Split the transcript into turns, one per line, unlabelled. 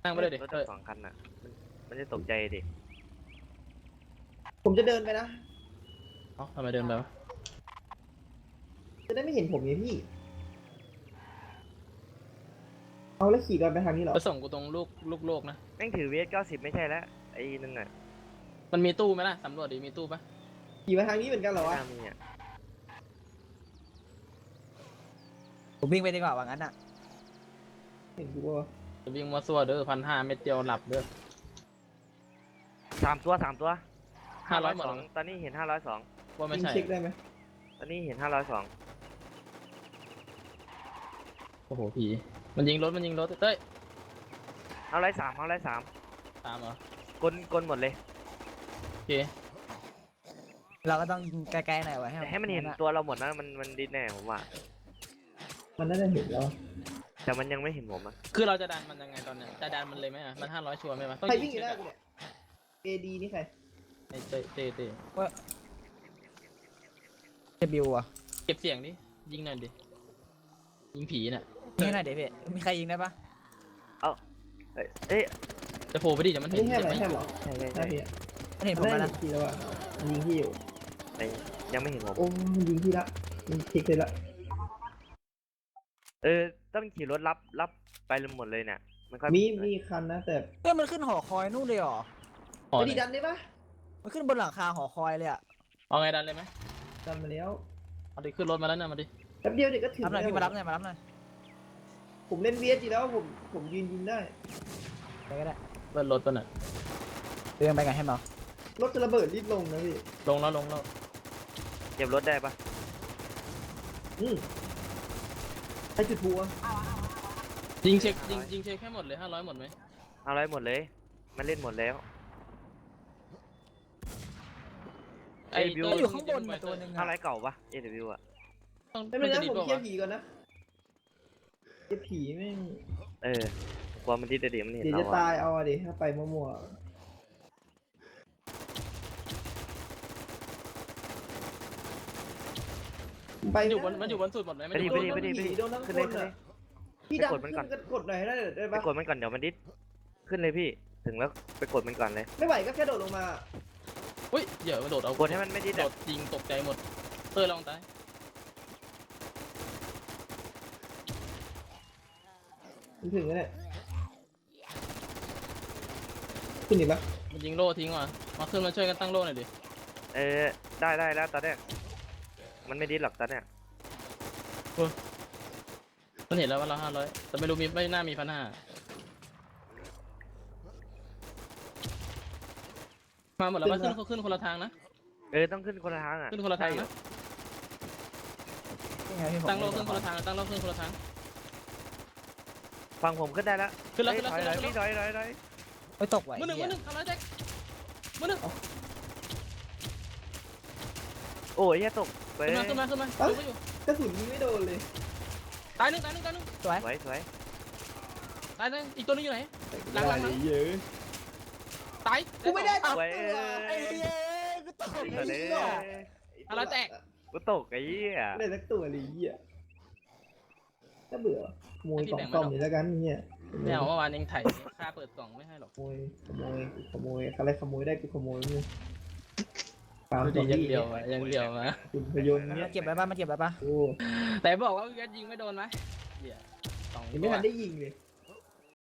นั่งไปเลยดิ
รถสองคันอ่ะมันจะตกใจดิ
ผมจะเดินไปนะ
เอ้าทำไมเดินไปวะ
จะได้ไม่เห็นผมไงพี่เอาแล้วขี่กันไปทางนี้เหรอ
ไปส่งกูตรงลูกโลกนะ
แม่งถือเวส90ไม่ใช่แล้วไอ้นั่นน่ะ
มันมีตู้ไหมล่ะสำรวจดิมีตู้ปะ
ขี่มาทางนี้เหมือนกันเหรอวะ
น่ามีอ่ะ
ผมวิ่งไปดีกว่าว่างั้นอ่ะ
เห็นกูว่า
จะวิ่งมาซัวเด้อ1,500เม็ดเดียวหลับเด้อ
3 ตัว
500หมด
502ตอนนี้เห็น502
ว่าไม่
ยิง
ใช่
เช็คได้ไหม
ตอนนี้เห็น502
โอ้โหผีมันยิงรถเต้ย
503
ตามเหรอก
ลหมดเลย
โอเค
เราก็ต้องยิงไกลๆหน่อยไว้
แต่ให้มันเห็นตัวเราหมดนะมันดีแน่ผมว่า
มันน่าจะเห็นแล้ว
แต่มันยังไม่เห็นผมอ่ะ
คือเราจะดันมันยังไงตอนเนี้ยจะดันมันเลยไหมอ่ะมัน500ชัวร์ไหมวะต้อง
ใคร
ยิ
วิ่ง
ง
อยู่หน้า
เช็ค
กู
อะ
เนี่ย AD นี่ใคร
ไอ้เต้
จะบิวอ่ะ
เก็บเสียงดิยิงหน่อยดิยิงผีน่ะ
นี่หน่อยเดี๋ยวพี่มีใครยิงได้ปะ
เอ้ย
จะโผล่ไปดิเดี๋ยวมันเห็น
นี่แค่ไหน
เห็นไหม
แค่เหรอ
ใช่
หน้าพี่อะ
มันเห็นผม
ได้
แล้ว
เห็
นะ
นพี่แล้วอ่ะมันยิงพี่อยู่
แต่ยังไม่เห็นผม
โอ้มันยิงพี่ละมันเช็คเลยละ
ต้องขี่รถรับไปหมดเลยเนี่ยมันค่อย
มีคันนะแต่
เฮ้ยมันขึ้นหอคอยนู่นเลยเหรอ
อ๋อ
ไม่
ไหน
ดีดันได้ปะ
มันขึ้นบนหลังคาหอคอยเลยอ่ะ
เอาไงดันเลยไหม
ดันมาแล้ว
เอาดิขึ้นรถมาแล้วนะมาดิ
แป๊บเดียวเด็กก็ถึง
รับหน่อย
แล้ว
พี่มารับหน่อยมารับหน่อย
ผมเล่นเวียจีแล้วผมยิงได้
ไปก็ได้
เบิ้ลรถตัวน่ะ
เรื่องไปกันให้เมาร
ถจะระเบิดรีบลงนะพี่
ลงแล้ว
เก็บรถได้ปะ
ใครจุดพลุอะ
ยิงเช็คแค่หมดเลย500หมดไหม
เอาอะไรหมดเลยมันเล่นหมดแล้ว
ไอ้
บิว
เต้
มันอยู่ข้างบนมาตัวหนึ่ง
เอาอะไร
อ่ะ
เก่าปะ AW อ่ะ
ต้อง
ไม่เป็นไร
จะ
นะ
ดี
ผม
กว่า
เคลียร์ผีก่อนนะเคลียร์ผีแม่ง
กลัวมันดีแต่เดี๋ยวมันเห็น
เดี๋ยว
เรา
จะ
อะ
ตายเอาอะดิถ้าไปมั่วๆไป
มันอยู่บนสุดหมดไหม
ไปดิ
โดนทั้ง
ขึ้น
ค
เลย
น
ขึ้นเล
อะ
ย
พี่ดันขึ้นกันกดหน่อยได้
ไป
ได้ปะ
กดมันก่อนเดี๋ยวมันดิสขึ้นเลยพี่ถึงแล้วไปกดมันก่อนเลย
ไม่ไหวก็แค่โดดลงมา
อุ้ยเดี๋ยวมันโดดเอา
กดให้มันไม่ดิส
โด
อะ
ดยิงตกใจหมดเต้ยลองตาย
ถึงแล้วเนี่ยขึ้นอีกปะ
มันยิงโล่ทิ้งว่ะมาขึ้นมาช่วยกันตั้งโล่หน่อยดิ
ได้แล้วตอนเนี้ยมันไม่ดิสหรอกตอนเนี้ย
มันเห็นแล้วว่าเรา500แต่ไม่รู้ไม่น่ามี1,500มาหมดแล้วว่าขึ้นคนละทางนะ
ต้องขึ้นคนละทางอ่ะ
ขึ้นคนละทางนะ
นี่ไงพี่ผม
ตั้งโล่ขึ้นคนละทางตั้งโล่ขึ้นคนละทาง
ฟังผมขึ้นได้แล้ว
ขึ้นแล้ว
ถอยพี่ถอย
ไปตกไหว
มือหนึ่งทำไรแจ็คมือหนึ่ง
โอ้ยแย่ตกไป
ขึ้นมาดูไม่อยู่
กระสุนยิงไม่โดนเลย
ตายหนึ่ง
สวย
สวย
ตายหนึ่งอีกตัวนึงอยู่ไหนหลัง
เยอะ
ตาย
กูไม่ได้
สวย
ไอ้เย้กูตก
อะไรแตก
กูตกไอ้เหี้ย
ได้สักตัวเลยเหี้ยถ้าเบื่อขโมยกล่องซ่อมนี่แล้วกันเนี่ย
ไม่เอาเมื่อวานยังไถ่ค่าเปิดกล่องไม่ให้หรอก
ขโมยอะไรขโมยได้กูขโมยมึงตาม
ดี
ตัว
ยัง
นี้
เดียวมา
คุณพยนต์เนี่
มาย เก็บไว้ป่ะมาเก็บไว้ป่ะ
โอ้
แต่บอกว่ายิงไม่โดนไหมเดี๋ยว
ยังไม่ทันได้ยิงเลย